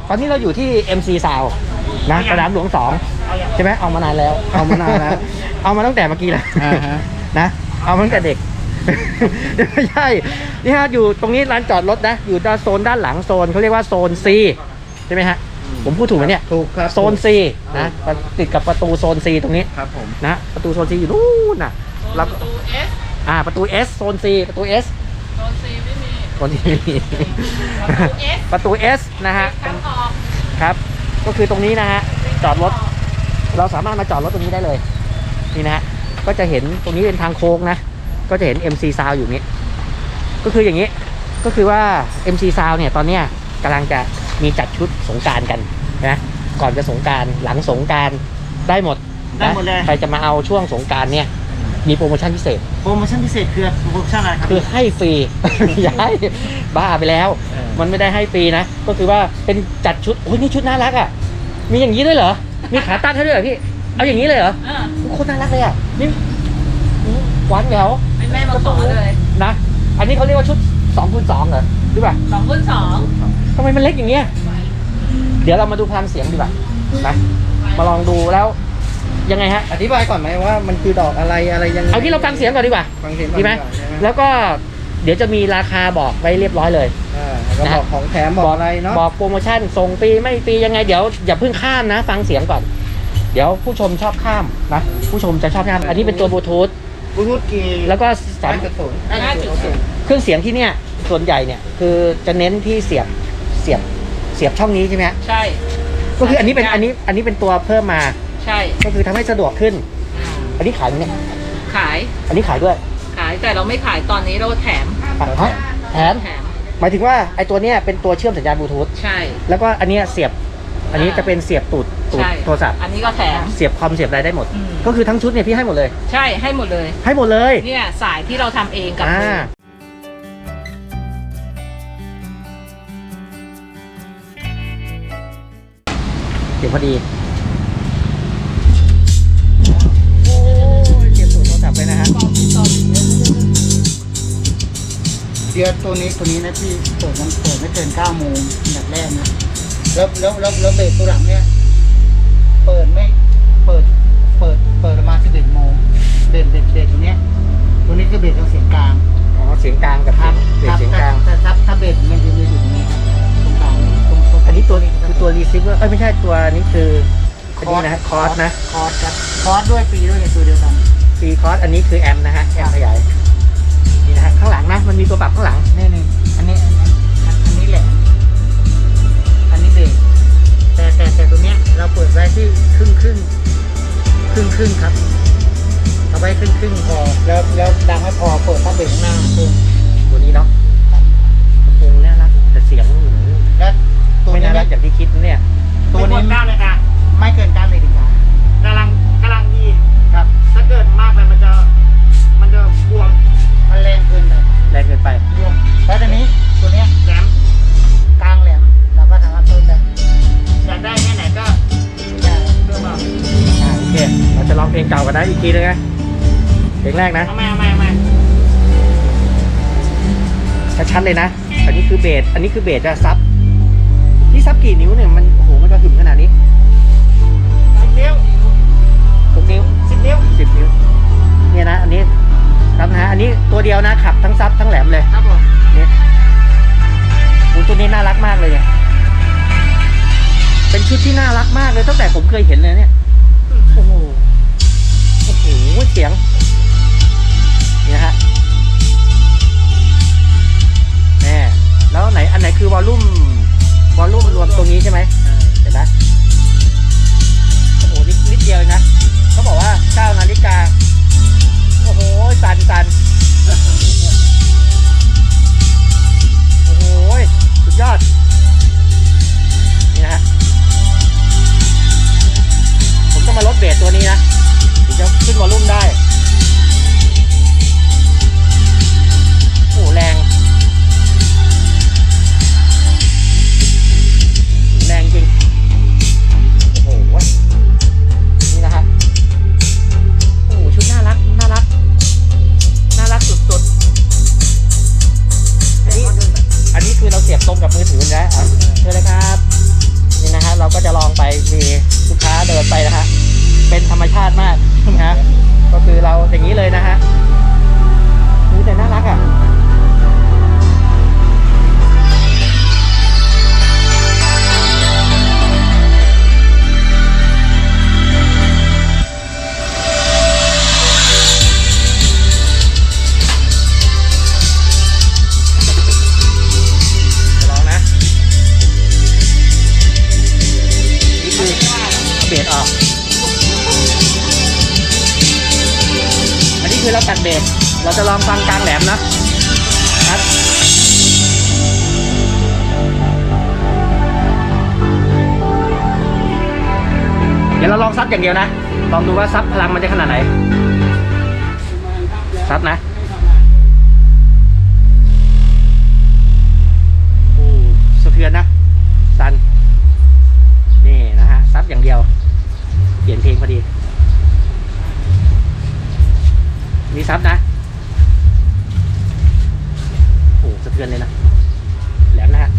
ตอนนี้เราอยู่ที่ MC Sound นะสนามหลวง2ใช่ไหมเอามานานแล้วเอามานานแล้วเอามาตั้งแต่เมื่อกี้แล้วฮะนะเอามาตั้งแต่เด็ก ไม่ใช่นี่ฮะอยู่ตรงนี้ร้านจอดรถนะอยู่โซนด้านหลังโซนเขาเรียกว่าโซน C ใช่ไหมฮะผมพูดถูกไหมเนี่ยถูกครับโซน C นะติดกับประตูโซน C ตรงนี้ครับผมนะประตูโซน C อยู่นู่นน่ะแล้วประตู S ประตู S โซน C ประตู S โซน C ไม่มีโซน C ไม่มี ประตู S นะฮะทางออกครับก็คือตรงนี้นะฮะจอดรถเราสามารถมาจอดรถตรงนี้ได้เลยนี่นะฮะก็จะเห็นตรงนี้เป็นทางโค้งนะก็จะเห็น MC Sound อยู่นี้ก็คืออย่างนี้ก็คือว่า MC Sound เนี่ยตอนเนี้ยกำลังจะมีจัดชุดสงกรานต์กันนะก่อนจะสงกรานต์หลังสงกรานต์ได้หมดได้หมดเลยใครจะมาเอาช่วงสงกรานต์เนี่ยมีโปรโมชั่นพิเศษโปรโมชั่นพิเศษคือโปรโมชั่นอะไรครับคือให้ฟรี ย้ายบ้าไปแล้ว มันไม่ได้ให้ฟรีนะก็คือว่าเป็นจัดชุดโอ้ยนี่ชุดน่ารักอ่ะมีอย่างนี้ด้วยเหรอมีขาตั้งให้ด้วยเหรอพี่เอาอย่างนี้เลยเหรอโคตรน่ารักเลยอ่ะนี่หวานแหววให้แม่มาขอเลยนะอันนี้เขาเรียกว่าชุด2x2เหรอหรือเปล่า 2x2 ทำไมมันเล็กอย่างเงี้ยเดี๋ยวเรามาดูพลังเสียงดีกว่านะมาลองดูแล้วยังไงฮะอธิบายก่อนไหมว่ามันคือดอกอะไรยังไงเอาที่เราฟังเสียงก่อนดีกว่าฟังเสียงก่อนดีไหมก่อนใช่ไหมแล้วก็เดี๋ยวจะมีราคาบอกไว้เรียบร้อยเลยแล้วก็บอกของแถมบอกอะไรเนาะบอกโปรโมชั่นส่งฟรีไม่ฟรียังไงเดี๋ยวอย่าเพิ่งข้ามนะ ฟังเสียงก่อน เดี๋ยวผู้ชมชอบข้ามนะผู้ชมจะชอบข้ามอันนี้เป็นตัวบลูทูธบลูทูธกี่แล้วก็สาม 5.0 เครื่องเสียงที่เนี่ยส่วนใหญ่เนี่ยคือจะเน้นที่เสียบช่องนี้ใช่ไหมฮะใช่ก็คืออันนี้เป็นตัวเพิ่มมาใช่ก็คือทำให้สะดวกขึ้น อันนี้ขายไหมเนี่ยขายอันนี้ขายด้วยแต่เราไม่ขายตอนนี้เราแถมฮะแถมหมายถึงว่าไอตัวเนี้ยเป็นตัวเชื่อมสัญญาณบลูทูธใช่แล้วก็อันเนี้ยเสียบอันนี้จะเป็นเสียบตูดใช่โทรศัพท์อันนี้ก็แถมเสียบคอมเสียบอะไรได้หมดอืมก็คือทั้งชุดเนี่ยพี่ให้หมดเลยใช่ให้หมดเลยให้หมดเลยเนี่ยสายที่เราทำเองกับมือเดี๋ยวพอดีโอ้ยเสียบตูดโทรศัพท์เลยนะฮะเดือนตัวนี้นะพี่เปิดไม่เกิน9 โมงแบบแรกนะแล้วเบรกตัวหลังเนี่ยเปิดประมาณ11 โมงเบรกตัวเนี้ยตัวนี้คือเบรกทางเสียงกลางอ๋อเสียงกลางกับเสียงกลางแต่ถ้าเบรกมันจะอยู่ตรงนี้ตรงกลางตรงอันนี้ตัวคือตัวรีเซิเวอร์ไม่ใช่ตัวนี้คืออันนี้นะคอร์สนะคอร์สครับคอร์สด้วยปีด้วยในตัวเดียวกันฟรีคอร์สอันนี้คือแอมป์นะฮะแอมป์ขยายนี่นะฮะข้างหลังนะมันมีตัวปรับข้างหลังนี่อันนี้แหลมอันนี้เบรกแต่ตัวเนี้ยเราเปิดไว้ที่ครึ่งครับเอาไว้ครึ่งพอแล้วดังไม่พอเปิดตั้งเบรกข้างหน้าเพิ่มตัวนี้เนาะคงน่ารักแต่เสียงและตัวไม่นี้น่ารักอย่างที่คิดนะเนี่ยตัวนี้ไม่เกิน9 นาฬิกากำลังดีครับถ้าเกิดมากไปมันจะบวมมันแรงเกินไปแรงเกินไปบวมแล้วตัวนี้ตัวเนี้ยแหลมกลางแหลมเราก็สามารถเพิ่มได้อยากได้แค่ไหนก็จะเพิ่มเอาโอเคเราจะร้องเพลงเก่ากันนะอีกทีนึงนะเพลงแรกนะเอามาชัดๆเลยนะ อันนี้คือเบสอันนี้คือเบสจะซับนี่ซับกี่นิ้วเนี่ยมันโอ้โหมันกระหึ่มขนาดนี้ 10 นิ้ว 6 นิ้ว 10 นิ้ว 10 นิ้วเนี่ยนะอันนี้ครับนะฮะอันนี้ตัวเดียวนะขับทั้งซับทั้งแหลมเลยครับผมเนี่ยโอ้ตัวนี้น่ารักมากเลยเนี่ยเป็นชุดที่น่ารักมากเลยตั้งแต่ผมเคยเห็นเลยเนี่ยโอ้โหเสียงนี่นะฮะแน่แล้วอันไหนคือวอลลุ่มรวมตรงนี้ใช่ไหมเห็นไหมโอ้โหนิดเดียวเองนะเขาบอกว่า9 นาฬิกาโอ้โหสั่นโอ้โหสุดยอดนี่นะฮะผมต้องมาลดเบสตัวนี้นะถึงจะขึ้นวอลลุ่มได้โอ้โหแรงเป็นธรรมชาติมากนะฮะก็คือเราอย่างนี้เลยนะฮะนี่แต่น่ารักอ่ะเบสออกอันนี้คือเราตัดเบสเราจะลองฟังกลางแหลมนะครับเดี๋ยวเราลองซับอย่างเดียวนะลองดูว่าซับพลังมันจะขนาดไหนซับนะโอ้สะเทือนนะซันนี่นะฮะซับอย่างเดียวเปลี่ยนเพลงพอดีนี่ซับนะโอ้สะเทือนเลยนะแหลมนะฮะ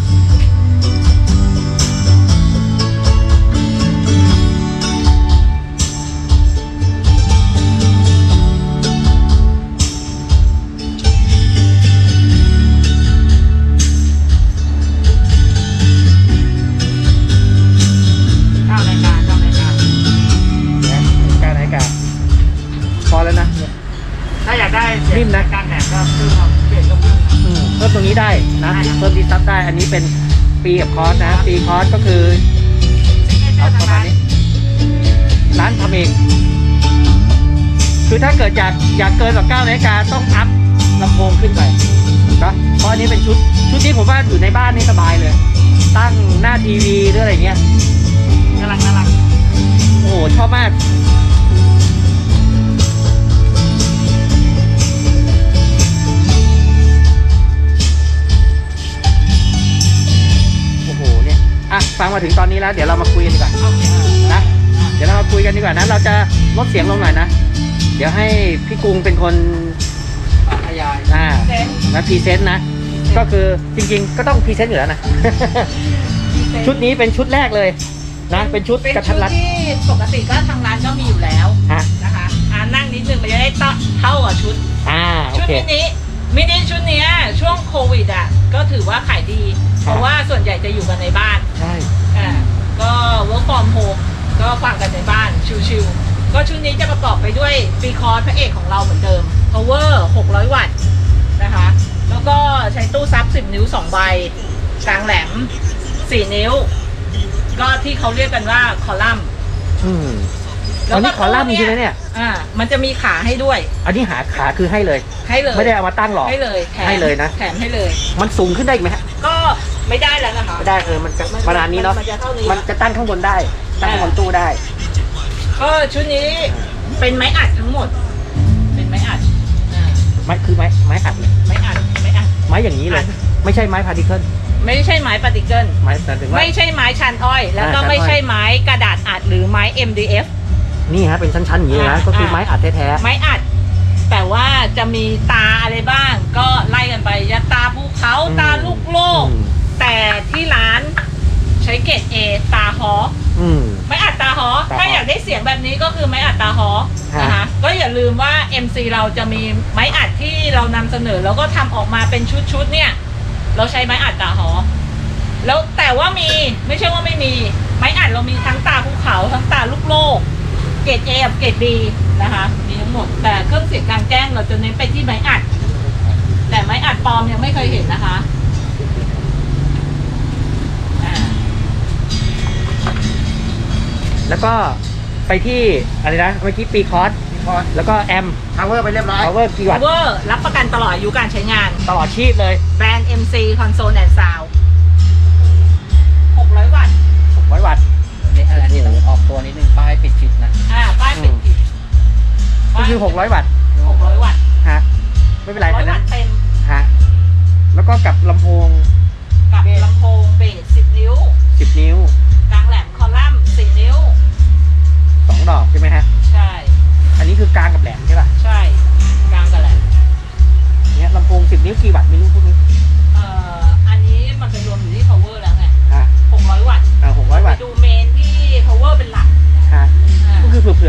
พอแล้วนะถ้าอยากได้นิ่มนะการแหนก็เพิ่มเปลี่ยนก็เพิ่มเพิ่มตรงนี้ได้นะเพิ่มที่ซับได้อันนี้เป็นปีกับคอร์สนะปีคอร์สก็คือเอาประมาณนี้ร้านทำเองคือถ้าเกิดอยากเกินกว่า9 นาฬิกาต้องอัพลำโพงขึ้นไปนะเพราะอันนี้เป็นชุดนี้ผมว่าอยู่ในบ้านนี่สบายเลยตั้งหน้าทีวีหรืออะไรเงี้ยน่ารักโอ้โหชอบมากฟังมาถึงตอนนี้แล้วเดี๋ยวเรามาคุยกันดีกว่านะเดี๋ยวเรามาคุยกันดีกว่านะเราจะลดเสียงลงหน่อยนะเดี๋ยวให้พี่กรุงเป็นคนขยายนะพรีเซนต์นะก็คือจริงๆก็ต้องพรีเซนต์อยู่แล้วนะ ชุดนี้เป็นชุดแรกเลยนะเป็นชุดกระทัดรัดที่ปกติก็ทางร้านก็มีอยู่แล้วนะคะนั่งนิดนึงมันจะได้เท่ากับชุดชุดมินิชุดนี้ช่วงโควิดก็ถือว่าขายดีเพราะว่าส่วนใหญ่จะอยู่กันในบ้านใช่ก็ work from home ก็ฟังกันในบ้านชิวๆก็ชุดนี้จะประกอบไปด้วยปีคอร์สพระเอกของเราเหมือนเดิม power 600 วัตต์นะคะแล้วก็ใช้ตู้ซับ10 นิ้ว 2 ใบกลางแหลม4 นิ้วก็ที่เขาเรียกกันว่าคอลัมน์แล้วนี่คอลัมน์ใช่ไหมเนี่ยมันจะมีขาให้ด้วยอันนี้ขาคือให้เลยไม่ได้เอามาตั้งหรอกให้เลยนะแถมให้เลยมันสูงขึ้นได้ไหมฮะก็ไม่ได้แล้วนะคะไม่ได้มันประมาณนี้เนาะมันจะตั้งข้างบนได้ตั้งข้างบนตู้ได้ก็ชุดนี้เป็นไม้อัดทั้งหมดเป็นไม้อัดไม้คือไม้อัดไม้อย่างนี้เลยไม่ใช่ไม้พาร์ติเคิลไม่ใช่ไม้ปาร์ติเคิลไม่ใช่ไม้ชันอ้อยแล้วก็ไม่ใช่ไม้กระดาษอัดหรือไม้ MDF นี่ฮะเป็นชั้นๆอย่างนี้นะก็คือไม้อัดแท้ๆไม้อัดแต่ว่าจะมีตาอะไรบ้างก็ไล่กันไปยาตาภูเขาตาลูกโลกแต่ที่ร้านใช้เกรด A ตาฮอไม้อัดตาฮอถ้าอยากได้เสียงแบบนี้ก็คือไม้อัดตาฮอนะคะก็อย่าลืมว่า MC เราจะมีไม้อัดที่เรานำเสนอแล้วก็ทำออกมาเป็นชุดเนี่ยเราใช้ไม้อัดตาฮอแล้วแต่ว่ามีไม่ใช่ว่าไม่มีไม้อัดเรามีทั้งตาภูเขาทั้งตาลูกโลกเกรด A กับเกรด B นะคะมีทั้งหมดแต่เครื่องเสียงกลางแจ้งเราจะเน้นไปที่ไม้อัดแต่ไม้อัดปลอมยังไม่เคยเห็นนะคะแล้วก็ไปที่อะไรนะเมื่อกี้ปีคอร์สแล้วก็แอมพาวเวอร์ไปเรียบร้อยพาวเวอร์กี่วัตต์ power รับประกันตลอดอายุการใช้งานตลอดชีพเลยแบรนด์ MC Console and Sound 600 วัตต์ 600 วัตต์อันนี้ต้องออกตัวนิดนึงป้ายปิดนะป้ายปิดก็คือ600 วัตต์ 600 วัตต์ฮะไม่เป็นไร 100 วัตต์เต็มฮะแล้วก็กับลำโพงเบส10 นิ้ว 10 นิ้วกลางแหลมคอลัมน์4 นิ้ว 2 ดอกใช่ไหมฮะใช่อันนี้คือกลางกับแหลมใช่ป่ะใช่กลางกับแหลมเนี่ยลำโพง10 นิ้วกี่วัตต์ไม่รู้พวกนี้อันนี้มันเป็นรวมอยู่ที่ power แล้วไง600 วัตต์ 600 วัตต์ดูเมนที่ power เป็นหลักก็คือเผื่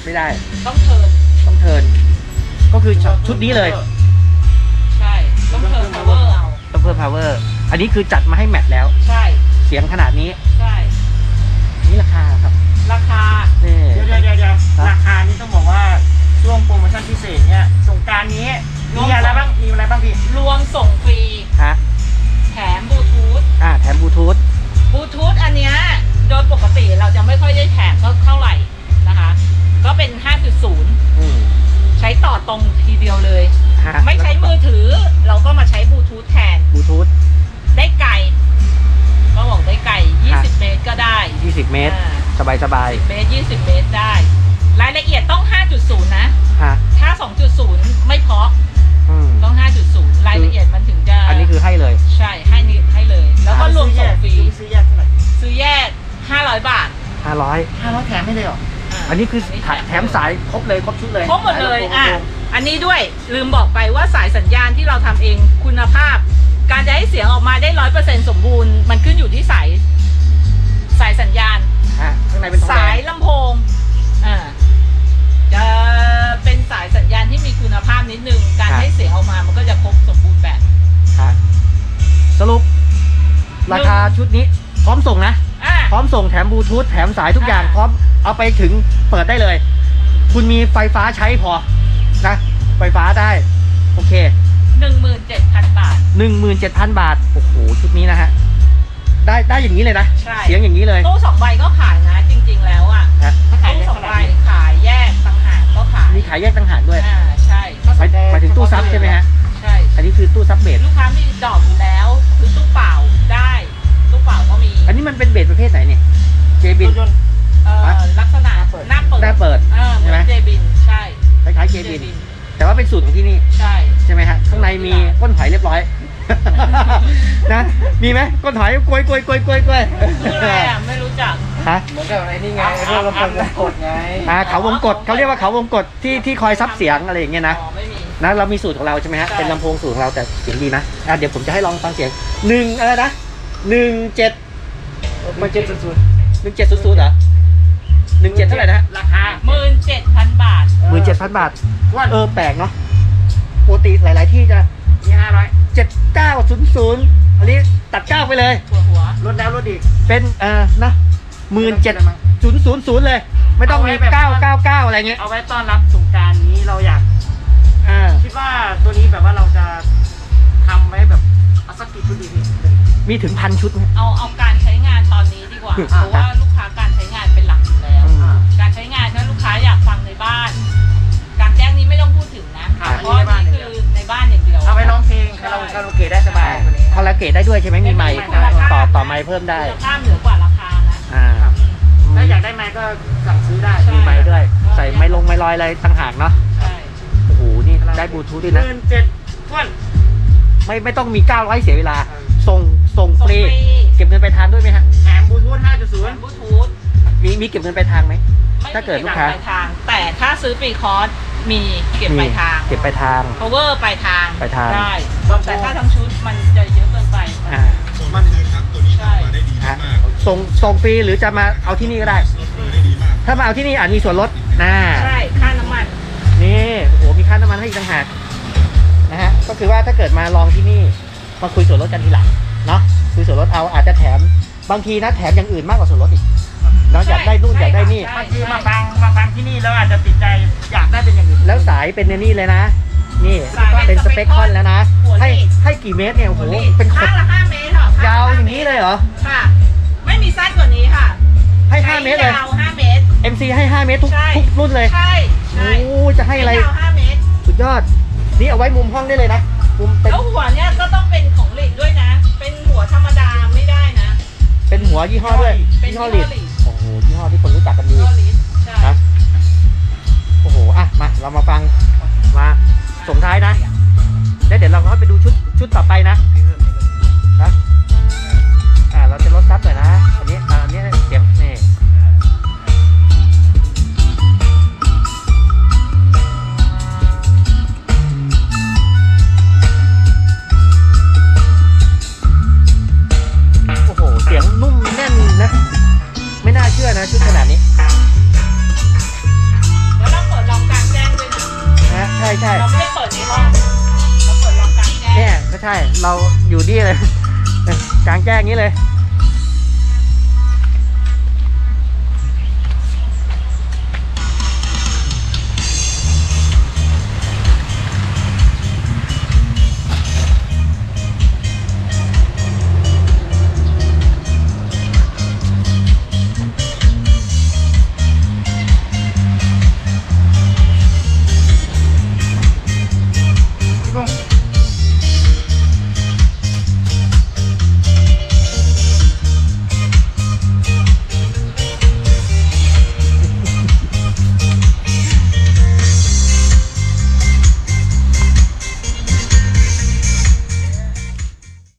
ไม่ได้ต้องเทิร์นต้องเทิร์นก็คือชุดนี้เลยใช่ต้องเทิร์น power เอาต้องเพิ่ม power อันนี้คือจัดมาให้แมทแล้วใช่เสียงขนาดนี้ใช่นี่ราคาครับราคานี่เดี๋ยวราคานี้ต้องบอกว่าช่วงโปรโมชั่นพิเศษเนี่ยสงกรานต์นี้มีอะไรบ้างพี่รวมส่งฟรีฮะแถมบลูทูธแถมบลูทูธบลูทูธอันเนี้ยโดยปกติเราจะไม่ค่อยได้แถมก็เท่าไหร่นะคะ ก็เป็น 5.0 ใช้ต่อตรงทีเดียวเลยฮะไม่ใช้มือถือเราก็มาใช้บลูทูธแทนบลูทูธได้ไกลก็บอกได้ไกล 20 เมตรก็ได้ 20 เมตรอ่าสบาย 10 เมตร 20 เมตรได้ รายละเอียดต้อง 5.0 นะๆฮะถ้า 2.0 ไม่เพราะอืมต้อง 5.0 รายละเอียดมันถึงจะอันนี้คือให้เลยใช่ให้นี่ให้เลย แล้วก็รวมส่งฟรีซื้อแยกเท่าไหร่ซื้อแยก 500 บาท 500 500แถมไม่เลยเหรออันนี้คือแถมสายครบเลยครบชุดเลยครบหมดเลยอันนี้ด้วยลืมบอกไปว่าสายสัญญาณที่เราทำเองคุณภาพ การจะให้เสียงออกมาได้ 100% สมบูรณ์ มันขึ้นอยู่ที่สายสัญญาณข้างในเป็นทองแดสายงลำโพงจะเป็นสายสัญญาณที่มีคุณภาพนิดนึง การให้เสียงออกมามันก็จะครบสมบูรณ์แบบฮะสรุป ราคาชุดนี้พร้อมส่งนะ พร้อมส่งแถมบลูทูธแถมสายทุกอย่าง พร้อมเอาไปถึงเปิดได้เลย คุณมีไฟฟ้าใช้พอนะ ไฟฟ้าได้ โอเค 17,000 บาท 17,000 บาท โอ้โห ชุดนี้นะฮะ ได้อย่างนี้เลยนะใช่เสียงอย่างนี้เลยตู้2 ใบก็ขายนะ จริง ๆ แล้วอ่ะฮะตู้2 ใบขายแยกต่างหากก็ขายมีขายแยกต่างหากด้วยใช่หมายถึงตู้ซับใช่ไหมฮะใช่อันนี้คือตู้ซับเบสลูกค้ามีดอกอยู่แล้วซื้อตู้เปล่าได้ตู้เปล่าก็มีอันนี้มันเป็นเบสประเภทไหนเนี่ย เจบินลักษณะหน้าเปิดหน้าเปิดเหมือนเจบินใช่คล้ายๆเจบิน แต่ว่าเป็นสูตรของที่นี่ใช่ใช่ไหมฮะ ข้างในมีก้นหอยเรียบร้อย นะ มีไหมก้นหอยกลวยคืออะไรอ่ะไม่รู้จักฮะเหมือนกับไอ้นี่ไงเรื่องลำโพงวงกดไงเขาวงกดเขาเรียกว่าเขาวงกดที่คอยซับเสียงอะไรอย่างเงี้ยนะอ๋อไม่มีนะเรามีสูตรของเราใช่ไหมฮะใช่เป็นลำโพงสูตรของเราแต่เสียงดีนะเดี๋ยวผมจะให้ลองฟังเสียงอะไรนะ17 มัน700 1700เหรอ17เท่าไหร่นะราคา 17,000 บาท 17,000 บาทแปลกเนาะปกติหลาย ๆ ที่จะมี500 7900อันนี้ตัด9ไปเลยหัวลดแล้วลดอีกเป็นนะ17,000เลย ไม่ต้องมีเอาไว้แบบ 999อะไรเงี้ยเอาไว้ต้อนรับสงกรานต์นี้เราอยากอ่าคิดว่าตัวนี้แบบว่าเราจะทำไว้แบบเอาสักกี่ชุดดีพี่มีถึง1,000 ชุดไหมเอาการใช้งานตอนนี้ดีกว่า เพราะว่าลูกค้าการใช้งานเป็นหลักอยู่แล้ว การใช้งานถ้าลูกค้าอยากฟังในบ้าน การแจ้งนี้ไม่ต้องพูดถึงนะ เพราะนี่คือในบ้านอย่างเดียวเอาไว้ร้องเพลงคาราโอเกะได้สบายตัวนี้คอลลาเกตได้ด้วยใช่ไหมมีไมค์คุณภาพต่อไมค์เพิ่มได้คุณภาพเหนือกว่าราคานะถ้าอยากได้ไมค์ก็สั่งซื้อได้ใช่มีไมค์ด้วย ใส่ไมค์ไมค์ลอยอะไรต่างหากเนาะใช่โอ้โหนี่ได้บลูทูธด้วยนะ 17,000ท้วนไม่ต้องมี900เสียเวลา ส่งฟส่งรีฟรีเก็บเงินไปลายทางด้วยไหมฮะแถมบลูทูธบ 5.0 ลูทูธมีเก็บเงินไปลายทางไหมไม่ถ้าเกิดมีลูกค้าปลายทาง แต่ถ้าซื้อปีคอร์สมีเก็บปลายทางเก็บไปลายทาง power ปลายทางปลายทางได้ แต่ถ้าทั้งชุดมันจะเยอะเกินไปอ่ามันใช่ฮะส่งฟรีหรือจะมาเอาที่นี่ก็ได้ ถ้ามาเอาที่นี่อาจมีส่วนลดนะใช่ ค่าน้ำมันนี่โอ้โหมีค่าน้ำมันให้อีกต่างหากนะฮะก็คือว่าถ้าเกิดมาลองที่นี่มาคุยส่วนลดกันทีหลังเนาะคุยส่วนลดเอาอาจจะแถมบางทีนะแถมอย่างอื่นมากกว่าส่วนลดอีกเนาะอยากได้นู่นอยากได้นี่ใช่บางทีมาฟังที่นี่แล้วอาจจะติดใจอยากได้เป็นอย่างอื่นแล้วสายเป็นนี่เลยนะ นี่เป็นสเปคคอนแล้วนะ ให้กี่เมตรเนี่ยโอ้โหเป็นขข้าดงละ5 เมตรค่ะยาวอย่างนี้เลยเหรอค่ะ ไม่มีสั้นกว่านี้ค่ะให้5 เมตรเลยยาว5 เมตร MC ให้5 เมตรทุกใช่รุ่นเลยใช่ใช่โอ้จะให้อะไรยาว5 เมตรสุดยอดนี่เอาไว้มุมห้องได้เลยนะมุมเป็นแล้วหัวเนี่ยก็ต้องเป็นของหลีดด้วยนะ เป็นหัวธรรมดาไม่ได้นะเป็นหัวยี่ห้อด้วยเป็นยี่ห้อยี่ลิห้อดลีดโอ้โหยี่ห้อที่คนรู้จักกันดีก็ลีดใช่นะโอ้โหมาเรามาฟังมาส่งท้ายนะแล้วเดี๋ยวเราก็ไปดูชุดต่อไปนะเราจะลดซับหน่อยนะอันนี้เสียงนี่โอ้โหเสียงนุ่มแน่นนะไม่น่าเชื่อนะชุดขนาดนี้แล้ใช่เราไม่ได้เปิดในห้องเราเปิดลองกลางแจ้งเนี่ยก็ใช่เราอยู่นี่เลย กลางแจ้งนี้เลย